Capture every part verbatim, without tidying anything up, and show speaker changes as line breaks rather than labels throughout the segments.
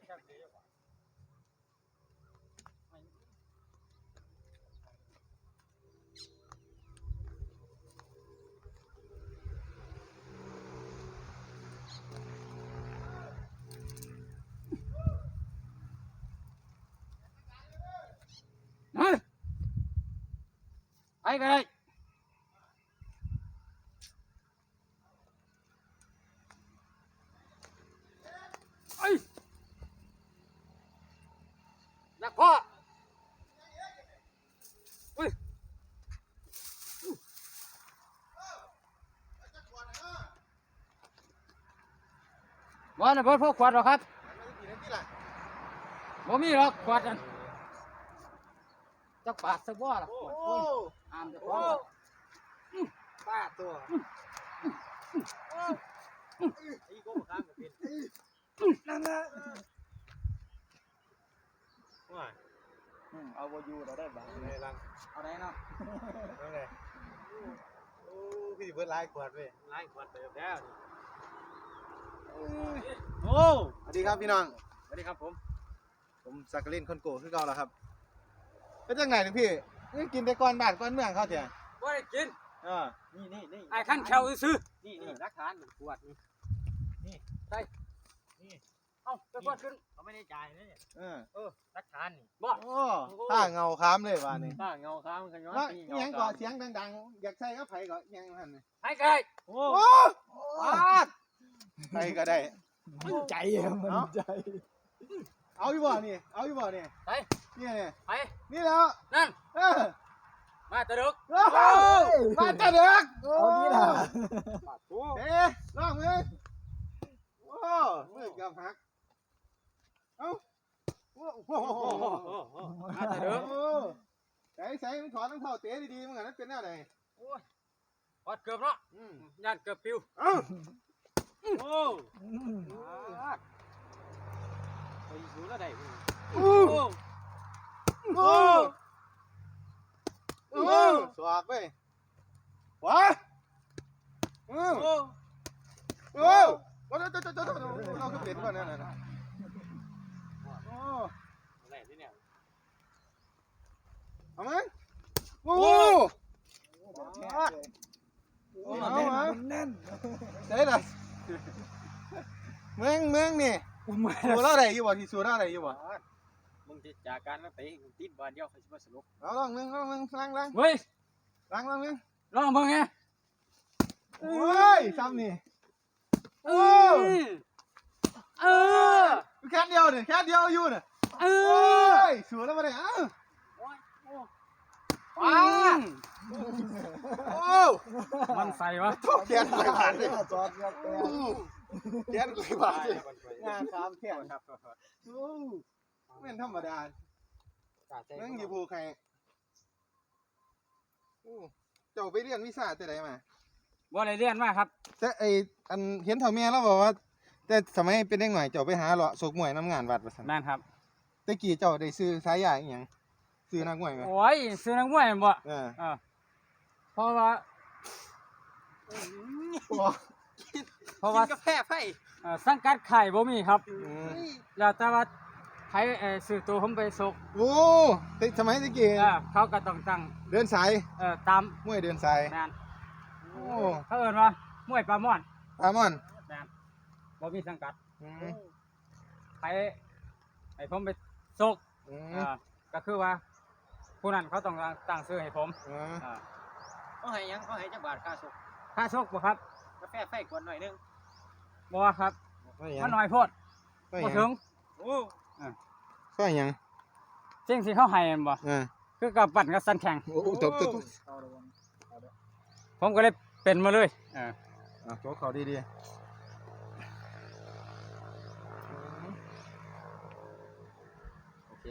ไปกันเลยไอ้นักพ่ออุ้ยวันนี้เพิ่นพกขวดหรอครับบ่มีหรอกขวดนั่นจักบาทสักบ่ล่ะอามจะพอป้าตัวไอ้โก้ข้างกับเป็นนั่นนะว่าเอาโวยูเราได้บ้างในรังเอาได้เนาะนั่นไงโอ้พี่เบิร์ดไล่ขวดไปไล่ขวดไปแล้วโอ้สวัสดีครับพี่น้องสวัสดีครับผมผมสักกลินคนโก้คือเก่าแล้วครับเป็นจังไงถึงพี่นี่กินแต่ก้อนบาทก้อนเมืองเขาเถอะว่าได้กินอ่านี่นี่นี่ไอ้ขั้นแควซื้อนี่นี่รักฐานขวดนี่นี่ใช่นี่เอ้าจะขวดขึ้นเขาไม่ได้จ่ายนะเนี่ยเออเออรักฐานนี่บ่โอ้ถ้าเงาค้ามเลยว่านี่ถ้าเงาค้ามกันย้อนนี่ยังก่อเสียงดังๆอยากใส่ก็ไผก็ยังหันไผก็ได้โอ้ไผก็ได้มันใจมันใจเอาอยู่บ่นี่เอาอยู่บ่นี่ไปนี่นี่ไปนี่แล้วนั่นเออมาตะดึกมาตะดึกเอาดีล่ะเอ๊ะลองมือโอ้มือกับหักเอ้าโอ้โหมาตะดึกใส่ใส่มันถอดรองเท้าเตะดีๆมันกันเป็นอะไรโอ้ยถอดเกือบเนาะยันเกือบปิวเอ้าโอ้ไปอยู่แล้วได้โอ้โอ้โอ้สวากไปว้าโอ้โอ้โอ้เราจะจะจะเราก็เปลี่ยนก่อนนะนะโอ้อะไรที่เนี่ยเอาไหมโอ้เอาไหมแน่นเด้อเมืองเมืองนี่สูร่าอะไรอยู่บ่ที่สูร่าอะไรอยู่บ่มึงจะจากการมาไปติดบอลเดียวเขาจะมาสนุกเอาลองมึงลองมึงล้างล้างเฮ้ยล้างล้างมึงลองมึงไงโอ้ยซ้ำนี่เออเออแค่เดียวเนี่ยแค่เดียวอยู่เนี่ยเออสูร่ามาเลยอ้าวว้าโอ้มันใส่วะแขนไหลผ่านเลยจอดแขนแขนไหลผ่านเลยงานครับแขนครับโอ้ไม่ธรรมดาเรื่องอยู่ภูใครเจ้าไปเรียนวิชาแต่ไหนมาบ่ได้เรียนมาครับแต่ไออันเห็นเถ่าเมียแล้วบอกว่าแต่สมัยเป็นเด็กหน่อยเจ้าไปหาเลาะสกมวยน้ำงานวัดประสันนั่นครับแต่กี่เจ้าได้ซื้อสายใหญ่อย่างซื้อนักมวยไหมโอ้ยซื้อนักมวยบ่เออเพราะว่าเพราะว่ากาแฟไฟสังกัดไข่บ่มีครับแล้วแต่ว่าไผ่สื่อตัวผมไปสกโอ้ติสมัยตะกี้เขาก็ต้องตั้งเดินสายเออตามมวยเดินสายนั่นโอ้เขาเอิ้นว่ามวยปลาม่อนปลาม่อนนั่นบ่มีสังกัดไผ่ไอ้ผมไปสกก็คือว่าผู้นั้นเขาต้องตั้งชื่อให้ผมเขาให้ยังเขาให้จักบาทค่าสกค่าสกบ่ครับกาแฟไฟกวนหน่อยนึงบ่ครับมันน้อยโพดบ่ถึงโอ้ก็ยังจริงสิเขาให้บ่คือกับปั่นกับสันแข่งโอ้จบจบผมก็เลยเป็นมาเลยอ่าโจกเขาดีๆโอเค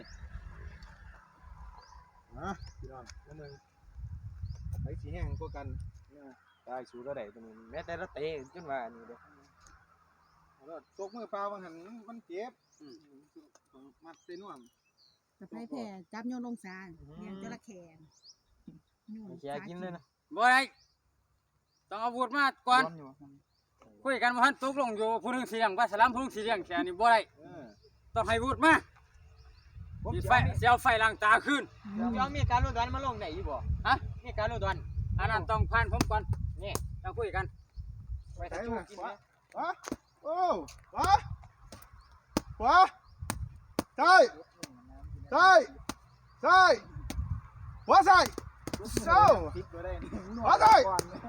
นะพี่น้องนั่นนึงไอ้สีแห้งกว่ากันได้สูระได้ตัวนี้แม้แต่ละเตะจนว่านี่เด้อตกมือเปล่าบางหันมันเจ็บมัดเส้นน่วมสะพายแผ่จับโยนลงสารเนี่ยจระเข้โยนแกกินเลยนะบ่ได้ต้องอาวุธมาก่อนคุยกันว่าท่านตกลงอยู่ผู้นึงเสียงว่าสลามผู้นึงเสียงแค่นี้บ่ได้ตต้องให้วุฒิมาสิไฟสิเอาไฟล้างตาขึ้น
ยอมมีการรู้ดอนมาลงได้อยู่บ่ฮะมีการรู้ดอน
อันนั้นต้องผ่านผมก่อน
นี่
ต้องคุยกัน
ไปถ่ายรูปกินนะ
ขวาโอ้ขวาขวาซ้ายซ้ายซ้ายขวาซ้ายเซ้าขวาซ้าย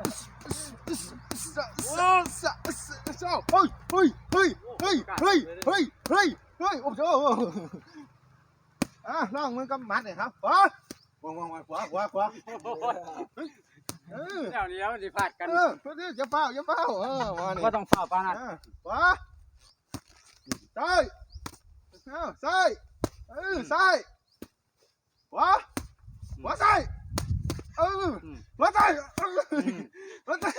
เซ้าเซ้าเซ้าเฮ้ยเฮ้ยเฮ้ยเฮ้ยเฮ้ยเฮ้ยเฮ้ยเฮ้ยโอ้โหอ่ะลองมือกำมัดหน่อยครับขวาวางวางวางขวาขวาขวาเออ
เดี๋ยวนี้แล้วมันสิพลาดกัน
เออเพื่อนอย่าเฝ้าอย่าเฝ้าเออมานี่
ก็ต้องเฝ้าปานนั้น
ขวาซ้ายเอาซ้ายเออซ้ายขวาขวาซ้ายเออขวาซ้ายเออขวาซ้าย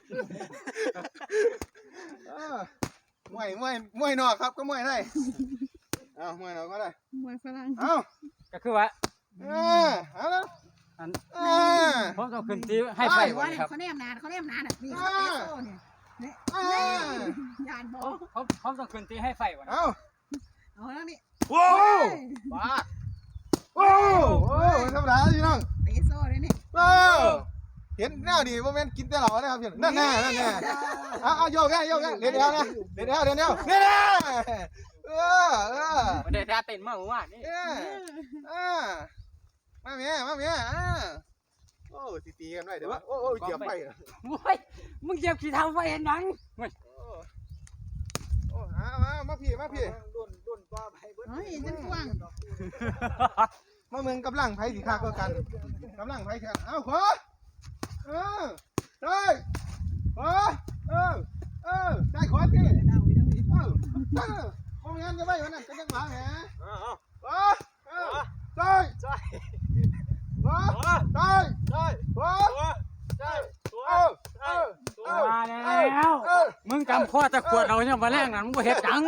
เออมวยมวยมวยนอกครับก็มวยได้เอามวยนอกก็ได้
มวยฝรั่ง
เอา
ก็คือว่า
เออเอาละ
อัน
เออ
ผมต้องขึ้นที่ให้ไฟ
ว่า
ก่อน
เนี่ย
ครับ
เขาแนมนานเขาแนมนานอ่ะนี่เขาเอสโซ่เนี่ยเนี่ย
เออย
านบอ
ผมผมผมต้องขึ้นที่ให้ไฟก่อน
เอา
เอาแล้วนี่
โอ้บ้าโอ้โอ้ธรรมดาพี่น้อง
เอสโซ่เลยนี่
เออเห็นแนวดีโมเมนต์กินแต่เหล่านะครับพี่นั่นแน่นั่นแน่เอาเอาโยกแค่โยกแค่เดี๋ยวเดี๋ยวนะเดี๋ยวเดี๋ยวเดี๋ยวเดี๋ยวเดี๋ยวเออเออ
บ่ได้ท่าเต้นมาเมื่อวานนี่
เออเออมาเมียมาเมียอ่าโอ้ตีตีกันไว้เดี๋ยวโอ้โอ้เหยียบไป
โว้ยมึงเหยียบขี้เท้าไฟเห็นหยังเว้ย
โอ้โอ้มามามาพี่มาพี่
เฮ้ยจังกว้าง
มาเมืองกำลังไผ่สีขาก็กันกำลังไผ่กันเอาขวาเออได้ขวาเออเออได้ขวาพี่
เดาไปเดาไป
เออเออโอ้ยงั้นจะไปวันนั้นจะยังหมาแหมขวาเออได้ขวาได้ขวาได้เออเออเออ
มาแล้วมึงจำข้อตะขวดเอาเนี่ยมาแรกนั่นมึงบ่เฮ็ดหยัง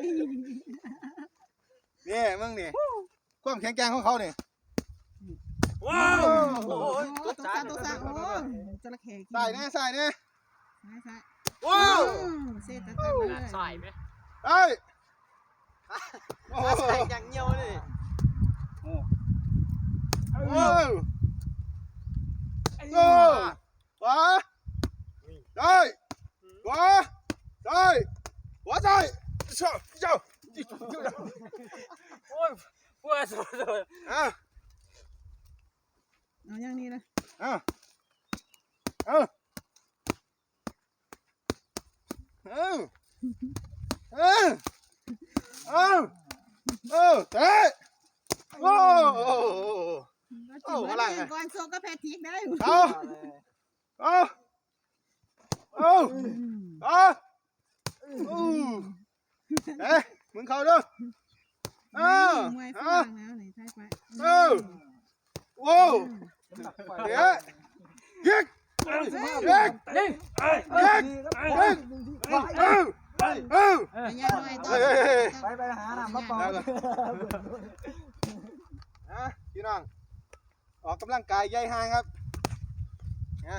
นี่มึงนี่ความแข็งแกร่งของเขาเนี่ย
ว้าว
โอ้ตัวซาตัวซาโอ้จระเข้
ใส่นะใส่นะ
ซ้ายซ้าย
ว้าว
เซตตันเลย
ใส่ไหม
เอ้ยโอ้
ใส่อย่างเงี้ยวเลย
โอ้โอ้ขวาได้ขวาได้ขวาได้เจ้าเจ้า
โอ้ยปวดสุด
อ่ะ
เอาอย่างนี้นะ
อ่ะอ่ะเออเออเออเออเตะโอ้โอ้
โอ้อะไรก่อนโซก็แพทิกได้
เอาเอาเอาเอาเอ๊ะมึงเข้าด้วยเออ
มวยฝ
เอ
รั่
อง
แล้วไหนซ้ายไป
เออโว้เดี๋ยวยิงยิง
ๆนี่
ยิงยิงเออเออ
อย่าหน่อยต้อง
ไปไปหาน้ำมาเป่าอ่ะพี่น้องออกกำลังกายใหญ่ห่างครับนะ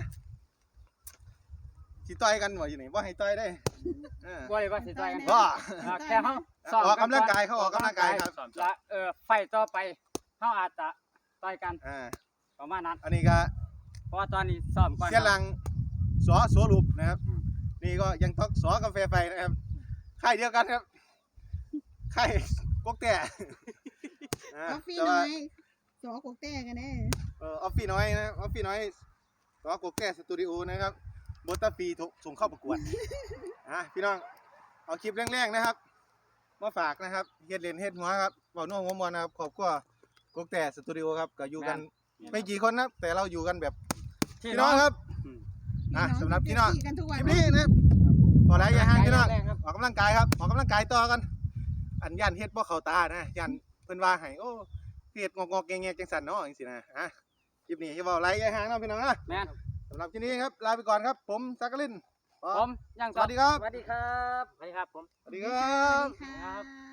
สิต่อยกันบ่อยู่นี่บ่ให้ต่อยได้เออ
บ่ได้ว่าสิต่อยกัน
บ่
อ่าแค่เฮาซ้
ออกกำลังกายเขาออกกำลังกายครับ
และเออไฟต่อไปเฮาอาจจะต่อยกัน
อ่า
ประมาณนั้น
อันนี้ก็
เพราะว่าตอนนี้ซ้อมก่อน
เสียหลังสอสวรูปนะครับ นี่ก็ยังท็อกสอกาแฟไฟนะครับค่ายเดียวกันครับค่ายกกแต่อ่า
ออฟฟี่
แต่
น้
ว่า
อยสอกกแต้กันแน่
เออออฟฟี่น้อยนะออฟฟี่น้อยสอกกแต่สตูดิโอนะครับบตฟรีส่งเข้าประกวดอ่ะพี่น้องเอาคลิปแรงๆนะครับมาฝากนะครับเฮ็ดเลนเฮ็ดหัวครับเบาโน้หัวมวนนะครับขอบคุณกกแต่สตูดิโอครับก็อยู่กันไม่กี่คนนะแต่เราอยู่กันแบบพี่น้องครับ อ่ะสำหรับพี่น้อง
กันทุก
ค
วัน
ลิปนี้นะครับขอไลค์อย่าห่างพี่น้องออกกำลังกายครับออกกำลังกายต่อกันอันยันเฮ็ดบ่เข้าตานะยันเพิ่นว่าให้โอ้เฮ็ดงอกๆแงๆจังซั่นเนาะจังซี่นะอ่ะคลิปนี้อย่าเว้าไลค์อย่าห่างเนาะพี่น้องนะ
แม่น
สำหรับคลิปนี้ครับลาไปก่อนครับผมสักกลิน
ผมยัง
สวัสดีครับ
สวัสดีครับสวัสดีครับผม
สวัสดีครับ
ค่ะ